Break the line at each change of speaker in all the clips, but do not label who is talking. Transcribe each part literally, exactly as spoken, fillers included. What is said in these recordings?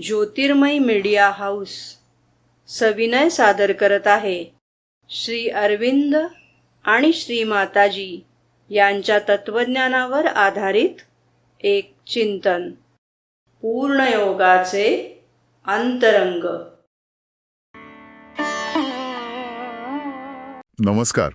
ज्योतिर्मय media house सविनय सादर करत आहे श्री अरविंद आणि श्री माताजी यांच्या तत्वज्ञानावर आधारित एक चिंतन, पूर्णयोगाचे अंतरंग.
नमस्कार.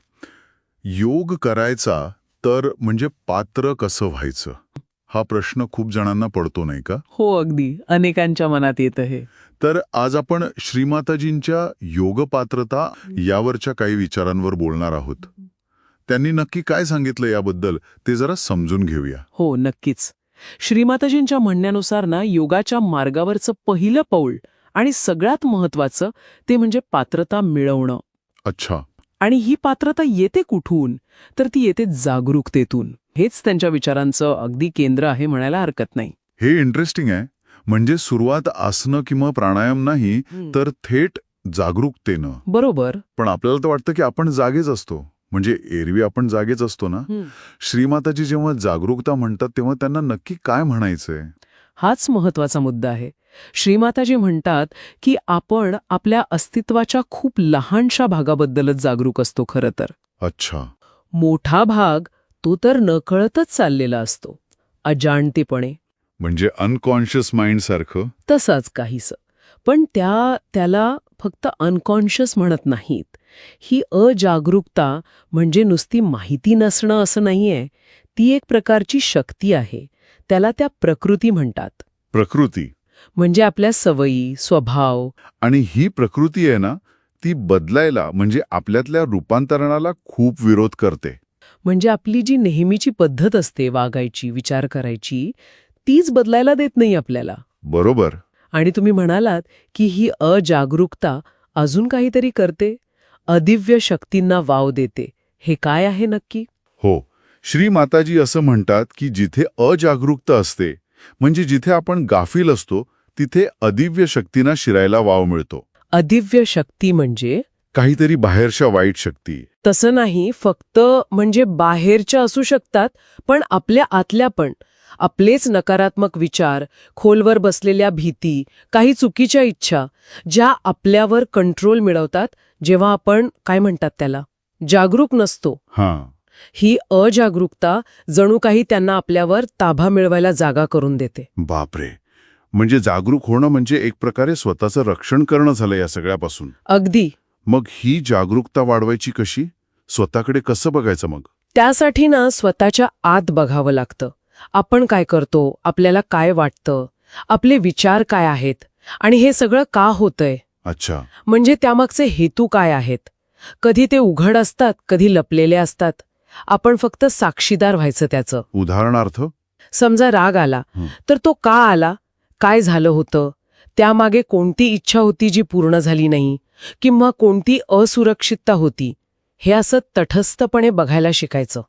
योग करायचा तर म्हणजे पात्र कसं व्हायचं हा प्रश्न खूप जणांना पडतो, नाही का?
हो, अगदी अनेकांच्या मनात येतं हे.
तर आज आपण श्रीमाताजींच्या योग पात्रता यावरच्या काही विचारांवर बोलणार आहोत. त्यांनी नक्की काय सांगितलं याबद्दल ते जरा समजून घेऊया.
हो, नक्कीच. श्रीमाताजींच्या म्हणण्यानुसार ना, योगाच्या मार्गावरचं पहिलं पाऊल आणि सगळ्यात महत्वाचं ते म्हणजे पात्रता मिळवणं.
अच्छा.
आणि ही पात्रता येते कुठून? तर ती येते जागरूकतेतून. हेच त्यांच्या विचारांचं अगदी केंद्र आहे म्हणायला हरकत नाही.
हे इंटरेस्टिंग आहे. म्हणजे सुरुवात आसनं किंवा प्राणायाम नाही, तर थेट जागरूकतेनं.
बरोबर.
पण आपल्याला तर वाटतं की आपण जागेच असतो, म्हणजे एरवी आपण जागेच असतो ना. श्रीमाताजी जेव्हा जागरूकता म्हणतात तेव्हा त्यांना नक्की काय म्हणायचंय?
हाच महत्वाचा मुद्दा आहे. श्रीमाताजी म्हणतात की आपण आपल्या अस्तित्वाच्या खूप लहानशा भागाबद्दलच जागरूक असतो खरं तर.
अच्छा.
मोठा भाग तो तर नकळतच चाललेला असतो, अजाणतेपणे.
म्हणजे अनकॉन्शियस माइंड सारखं.
तसाच काहीसं. पण त्या त्याला फक्त अनकॉन्शियस म्हणत नाहीत. ही अजागरूकता म्हणजे नुसती माहिती नसणं असं नाहीये. ती एक प्रकारची शक्ती आहे. त्याला त्या प्रकृती म्हणतात.
प्रकृती
म्हणजे आपल्या सवयी, स्वभाव.
आणि ही प्रकृती आहे ना, ती बदलायला म्हणजे आपल्यातल्या रूपांतरणाला खूप विरोध करते.
म्हणजे आपली जी नेहमीची पद्धत असते वागायची, विचार करायची, तीच बदलायला देत नाही आपल्याला.
बरोबर.
आणि तुम्ही म्हणालात की ही अजागरूकता अजून काहीतरी करते, अदिव्य शक्तींना वाव देते. हे काय आहे नक्की?
हो, श्री माताजी असं म्हणतात की जिथे अजागरूकता असते, म्हणजे जिथे आपण गाफील असतो, तिथे अदिव्य शक्तींना शिरायला वाव मिळतो.
अदिव्य शक्ती म्हणजे
काहीतरी बाहेरच्या वाईट शक्ती.
तसं नाही फक्त म्हणजे बाहेरच्या असू शकतात, पण आपल्या आतल्या पण. आपलेच नकारात्मक विचार, खोलवर बसलेल्या भीती, काही चुकीच्या इच्छा, ज्या आपल्यावर कंट्रोल मिळवतात जेव्हा आपण काय म्हणतात त्याला जागरूक नसतो.
हां.
ही अजागरूकता जणू काही त्यांना आपल्यावर ताबा मिळवायला जागा करून देते.
बापरे. म्हणजे जागरूक होणं म्हणजे एक प्रकारे स्वतःचं रक्षण करणं झालं या सगळ्यापासून.
अगदी.
मग ही जागरूकता वाढवायची कशी? स्वतःकडे कसं बघायचं मग?
त्यासाठी ना स्वतःच्या आत बघावं लागतं. आपण काय करतो, आपल्याला काय वाटतं, आपले विचार काय आहेत आणि हे सगळं का होतंय.
अच्छा.
म्हणजे त्यामागचे हेतू काय आहेत. कधी ते उघड असतात, कधी लपलेले असतात. आपण फक्त साक्षीदार व्हायचं त्याचं.
उदाहरणार्थ,
समजा राग आला, तर तो का आला, काय झालं होतं, त्यामागे कोणती इच्छा होती जी पूर्ण झाली नाही, किंवा कोणती असुरक्षितता होती, हे असं तटस्थपणे बघायला शिकायचं.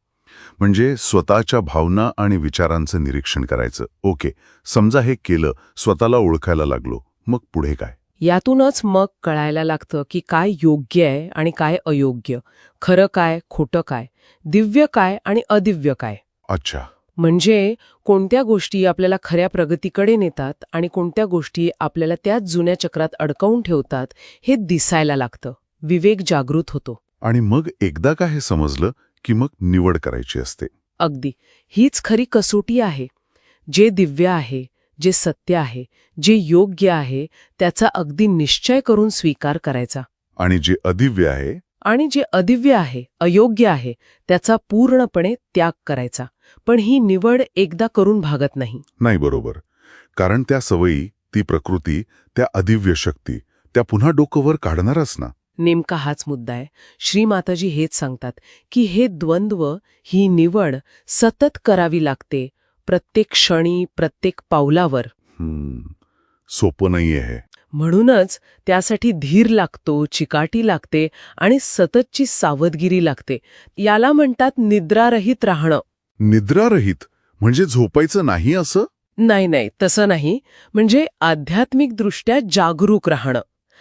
म्हणजे स्वतःच्या भावना आणि विचारांचं निरीक्षण करायचं. ओके, समजा हे केलं, स्वतःला ओळखायला लागलो, मग पुढे काय?
यातूनच मग कळायला लागतं की काय योग्य आहे आणि काय अयोग्य, खरं काय, खोटं काय, दिव्य काय आणि अदिव्य काय.
अच्छा.
म्हणजे कोणत्या गोष्टी आपल्याला खऱ्या प्रगतीकडे नेतात आणि कोणत्या गोष्टी आपल्याला त्याच जुन्या चक्रात अडकवून ठेवतात हे दिसायला लागतं. विवेक जागृत होतो.
आणि मग एकदा का हे समजलं की मग निवड करायची असते.
अगदी. हीच खरी कसोटी आहे. जे दिव्य आहे, जे सत्य आहे, जे योग्य आहे, त्याचा अगदी निश्चय करून स्वीकार करायचा.
आणि जे अदिव्य आहे
आणि जे अदिव्य आहे, अयोग्य आहे, त्याचा पूर्णपणे त्याग करायचा. पण ही निवड एकदा करून भागत नाही.
नाही. बरोबर. कारण त्या सवयी, ती प्रकृती, त्या अदिव्य शक्ती, त्या पुन्हा डोकंवर काढणारच ना.
नेमका हाच मुद्दा आहे. श्रीमाताजी हेच सांगतात की हे द्वंद्व, ही निवड सतत करावी लागते, प्रत्येक क्षणी, प्रत्येक पावलावर.
हम्म. सोपं नाहीये हे.
म्हणूनच त्यासाठी धीर लागतो, चिकाटी लागते आणि सततची सावधगिरी लागते. याला म्हणतात निद्रारहित राहणं.
निद्रारहित म्हणजे झोपायचं नाही असं?
नाही नाही, तसं नाही. म्हणजे आध्यात्मिकदृष्ट्या जागरूक राहणं,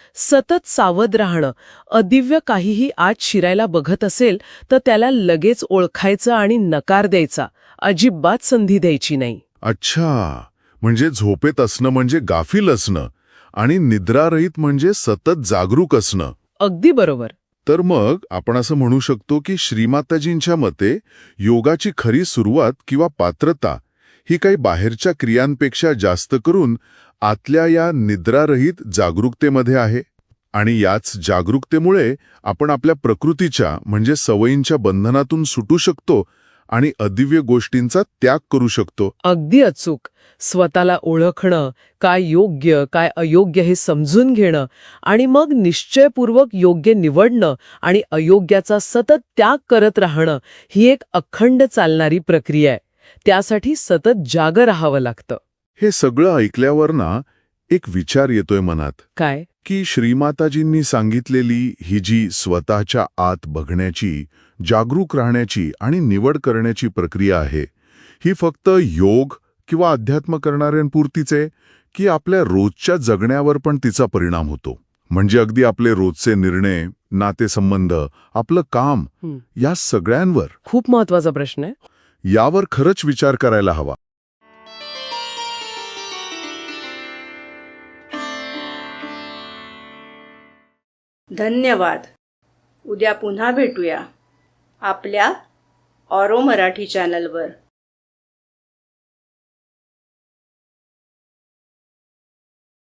सतत सावध राहणं. अदिव्य काहीही आत शिरायला बघत असेल तर त्याला लगेच ओळखायचं आणि नकार द्यायचा, अजिबात संधी द्यायची नाही.
अच्छा. म्हणजे झोपेत असणं म्हणजे गाफील असणं आणि निद्रारहित म्हणजे सतत जागरूक असणं.
अगदी बरोबर.
तर मग आपण असं म्हणू शकतो की श्रीमाताजींच्या मते योगाची खरी सुरुवात किंवा पात्रता ही काही बाहेरच्या क्रियांपेक्षा जास्त करून आतल्या या निद्रारहित जागरूकतेमध्ये आहे. आणि याच जागरूकतेमुळे आपण आपल्या प्रकृतीच्या म्हणजे सवयींच्या बंधनातून सुटू शकतो आणि अदिव्य गोष्टींचा त्याग करू शकतो.
अगदी अचूक. स्वतःला ओळखणं, काय योग्य काय अयोग्य हे समजून घेणं आणि मग निश्चयपूर्वक योग्य निवडणं आणि अयोग्याचा सतत त्याग करत राहणं ही एक अखंड चालणारी प्रक्रिया आहे. त्यासाठी सतत जागं राहावं लागतं.
हे सगळं ऐकल्यावर ना एक विचार येतोय मनात
काय?
की श्रीमाताजींनी सांगितलेली ही जी स्वतःच्या आत बघण्याची, जागरूक राहण्याची आणि निवड करण्याची प्रक्रिया आहे, ही फक्त योग किंवा अध्यात्म करणाऱ्यांपुरतीच आहे की आपल्या रोजच्या जगण्यावर पण तिचा परिणाम होतो? म्हणजे अगदी आपले रोजचे निर्णय, नातेसंबंध, आपलं काम
हं.
या सगळ्यांवर?
खूप महत्वाचा प्रश्न आहे.
यावर खरंच विचार करायला हवा.
धन्यवाद. उद्या पुन्हा भेटूया आपल्या ऑरो मराठी चॅनलवर.